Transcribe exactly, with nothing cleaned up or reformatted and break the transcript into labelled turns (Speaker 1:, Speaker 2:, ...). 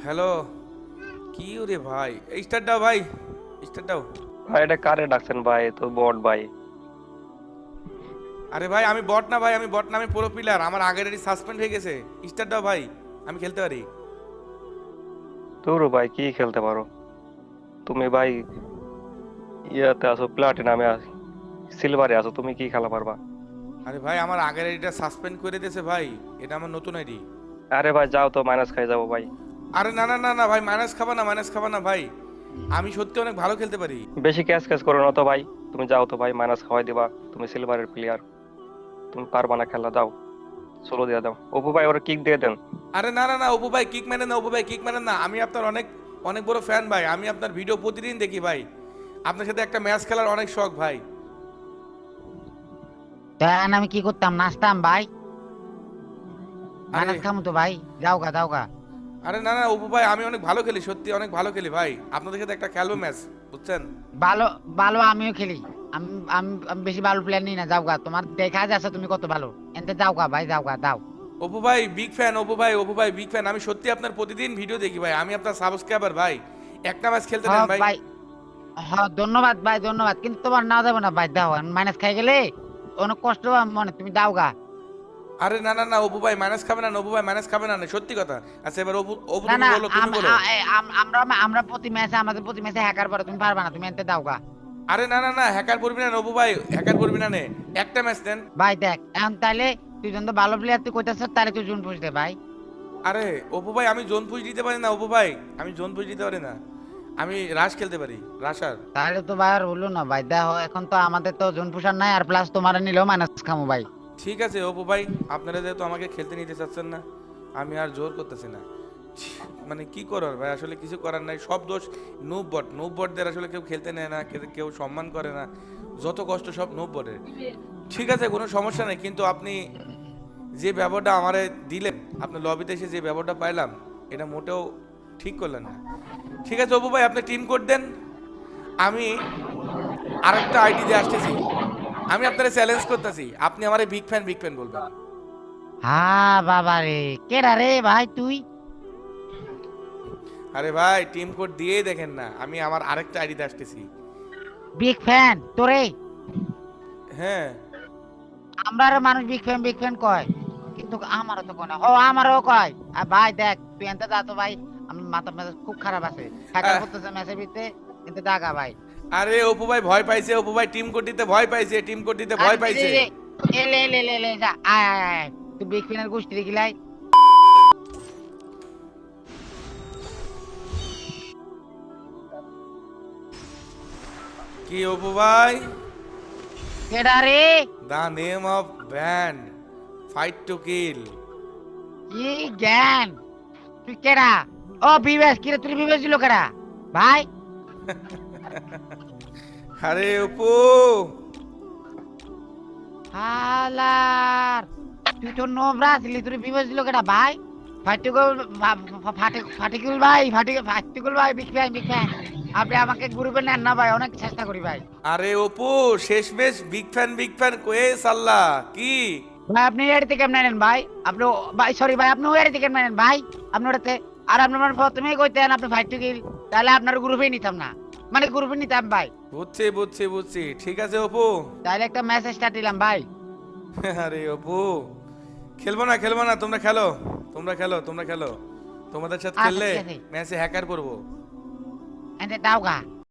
Speaker 1: Hello. কি রে ভাই, স্টার্ট দাও ভাই, স্টার্ট দাও।
Speaker 2: ভাই এটা কারে ডাকছেন ভাই? এ তো বট ভাই।
Speaker 1: আরে ভাই আমি বট না ভাই, আমি বট না, আমি প্রো প্লেয়ার। আমার আগের আইডি সাসপেন্ড হয়ে গেছে। স্টার্ট দাও ভাই, আমি খেলতে পারি।
Speaker 2: তোর ভাই কি খেলতে পারো তুমি ভাই? ইয়াতে আছো, প্লাটিনামে আছো, সিলভারে আছো, তুমি কি খেলা পারবা?
Speaker 1: আরে ভাই আমার আগের আইডিটা সাসপেন্ড করে দিয়েছে ভাই, এটা আমার নতুন আইডি।
Speaker 2: আরে ভাই যাও তো, মাইনাস খাই যাবো ভাই।
Speaker 1: আরে না না না না ভাই, মাইনাস খাবা না, মাইনাস খাবা না ভাই, আমি সত্যি অনেক ভালো খেলতে পারি।
Speaker 2: বেশি ক্যাচ ক্যাচ করো না তো ভাই। তুমি যাও তো ভাই, মাইনাস খাওয়াই দিবা। তুমি সিলভারের প্লেয়ার, তুমি পারবা না খেলা, দাও সোলো দিয়ে দাও। অপু ভাই ওরা কিক দিয়ে দেন।
Speaker 1: আরে না না না অপু ভাই কিক মেরেন না, অপু ভাই কিক মেরেন না, আমি আপনার অনেক অনেক বড় ফ্যান ভাই, আমি আপনার ভিডিও প্রতিদিন দেখি ভাই, আপনার সাথে একটা ম্যাচ খেলার অনেক শখ ভাই।
Speaker 3: দেন আমি কি করতাম, নাচতাম ভাই।
Speaker 1: আরে
Speaker 3: মাইনাস খামু তো ভাই, যাও গা যাও গা।
Speaker 1: আরে না না অপু ভাই, আমি অনেক ভালো খেলি, সত্যি অনেক ভালো খেলি ভাই, আপনাদের সাথে একটা খেলবো ম্যাচ, বুঝছেন?
Speaker 3: ভালো ভালো আমিও খেলি। আমি আমি আমি বেশি ভালো প্লেয়ার নিই না, যাও গা। তোমার দেখা যাচ্ছে তুমি কত ভালো, এনতে যাও গা ভাই, যাও গা দাও।
Speaker 1: অপু ভাই বিগ ফ্যান, অপু ভাই, অপু ভাই বিগ ফ্যান, আমি সত্যি আপনার প্রতিদিন ভিডিও দেখি ভাই, আমি আপনার সাবস্ক্রাইবার ভাই, একটা ম্যাচ খেলতে
Speaker 3: হ
Speaker 1: দেন ভাই।
Speaker 3: ভাই, হ ধন্যবাদ ভাই ধন্যবাদ, কিন্তু তোমার না যাবে না ভাই, দাও। মাইনাস খাই গেলে অনেক কষ্ট হবে মনে, তুমি দাও গা।
Speaker 1: আরে না না না অপু ভাই মাইনাস খাবে না, অপু ভাই মাইনাস খাবে না, না, সত্যি কথা। আচ্ছা এবার অপু, অপু
Speaker 3: না
Speaker 1: তুমি
Speaker 3: না,
Speaker 1: বলো, তুমি
Speaker 3: আম-
Speaker 1: বলো।
Speaker 3: আ- এ, আম- আমরা আমরা প্রতি ম্যাচে আমাদের প্রতি ম্যাচে হ্যাকার পরে, তুমি পারবা না, তুমি এনতে দাও গা।
Speaker 1: আরে না না না হ্যাকার পড়বি না অপু ভাই, হ্যাকার পড়বি না নে, একটা ম্যাচ দেন।
Speaker 3: ভাই দেখ এখন তাইলে, তুই যখন তো ভালো প্লেয়ার তুই কইতাছ, তাহলে তুই জুন পুষ দে ভাই।
Speaker 1: আরে অপু ভাই আমি জোন পুশ দিতে পারি না অপু ভাই, আমি জোন পুশ দিতে পারি না, আমি রাশ খেলতে পারি, রাশার।
Speaker 3: তাহলে তো ভাই আর হলো না ভাই, দেখো এখন তো আমাদের তো জোন পুষার নাই, আর প্লাস তোমার নিলেও মাইনাস খামু ভাই।
Speaker 1: ঠিক আছে অপু ভাই, আপনারা যেহেতু আমাকে খেলতে নিতে চাচ্ছেন না, আমি আর জোর করতেছি না। ছি, মানে কি করার ভাই, আসলে কিছু করার নাই, সব দোষ নুব বট, নুব বটদের আসলে কেউ খেলতে নেয় না, কেউ কেউ সম্মান করে না, যত কষ্ট সব নুব বটের। ঠিক আছে কোনো সমস্যা নেই, কিন্তু আপনি যে ব্যবহারটা আমারে দিলেন, আপনার লবিতে এসে যে ব্যবহারটা পাইলাম, এটা মোটেও ঠিক করলেন না। ঠিক আছে অপু ভাই আপনি টিম কোড দেন, আমি আরেকটা আইডি দিয়ে আসতেছি, আমি আপনারা চ্যালেঞ্জ করতেছি, আপনি আমারে বিগ ফ্যান বিগ ফ্যান বলবেন।
Speaker 3: হ্যাঁ বাবা রে, কেডা রে ভাই তুই?
Speaker 1: আরে ভাই টিম কোড দিয়েই দেখেন না, আমি আমার আরেকটা আইডিতে আসতেছি।
Speaker 3: বিগ ফ্যান তোরে?
Speaker 1: হ্যাঁ
Speaker 3: আমরা মানুষ বিগ ফ্যান বিগ ফ্যান কয়, কিন্তু আমারও তো কোনো, ও আমারও কয়। আর ভাই দেখ তুই এনতে যা তো ভাই, আমার মাথা মেজাজ খুব খারাপ আছে, হ্যাকার
Speaker 1: আহ,
Speaker 3: করতেছে ম্যাচের ভিতরে, এনতে দাগা ভাই।
Speaker 1: আরে অপু ভাই ভয় পাইছে, অপু ভাই টিম কোড দিতে ভয় পাইছে, টিম কোড দিতে ভয়
Speaker 3: আরে দে দে
Speaker 1: পাইছে।
Speaker 3: দে, এ লে লে লে লে যা, আয় আয় আয়, তুই বিগ ফ্যানের গোষ্ঠী দেখিলাই।
Speaker 1: কি অপু ভাই?
Speaker 3: কেডা রে?
Speaker 1: The name of band, fight to kill.
Speaker 3: কি জ্ঞান? তুই কেডা? ও বিবেশ, কিরে তুই বিবেশ দিল কেডা ভাই?
Speaker 1: আরে অপু,
Speaker 3: হালার, তুই তো নোবরা ছিলি, তুই বিবেশ দিল কেডা ভাই? ফাটিকুল, ফাটিকুল ভাই, ফাটিকুল ফাটিকুল ভাই, বিগ ফ্যান বিগ ফ্যান। আপনি আমাকে গ্রুপে নেন না ভাই, অনেক চেষ্টা করি ভাই।
Speaker 1: আরে অপু শেষমেশ বিগ ফ্যান বিগ ফ্যান কয়ে সাল্লা কি?
Speaker 3: ভাই আপনি এড়িতে কেমন নেন ভাই? আপনি ভাই, সরি ভাই, আপনি এড়িতে কেমন নেন ভাই? আপনি ওটাতে, আর আপনি আমার প্রথমেই কইতেন আপনি ফাটিকুল, তাহলে আপনার গ্রুপেই নিতাম না, মানে গ্রুপে নিতাম ভাই।
Speaker 1: বুঝছি বুঝছি বুঝছি, ঠিক আছে অপু।
Speaker 3: তাহলে একটা মেসেজ স্টার্ট দিলাম ভাই।
Speaker 1: আরে অপু খেলবো না, খেলবো না, তোমরা খেলো, তোমরা খেলো, তোমরা খেলো, তোমাদের সাথে
Speaker 3: আচ্ছা
Speaker 1: খেললে
Speaker 3: ঠিক আছে,
Speaker 1: ম্যাচে হ্যাকার করবো।
Speaker 3: এতে দাও গা।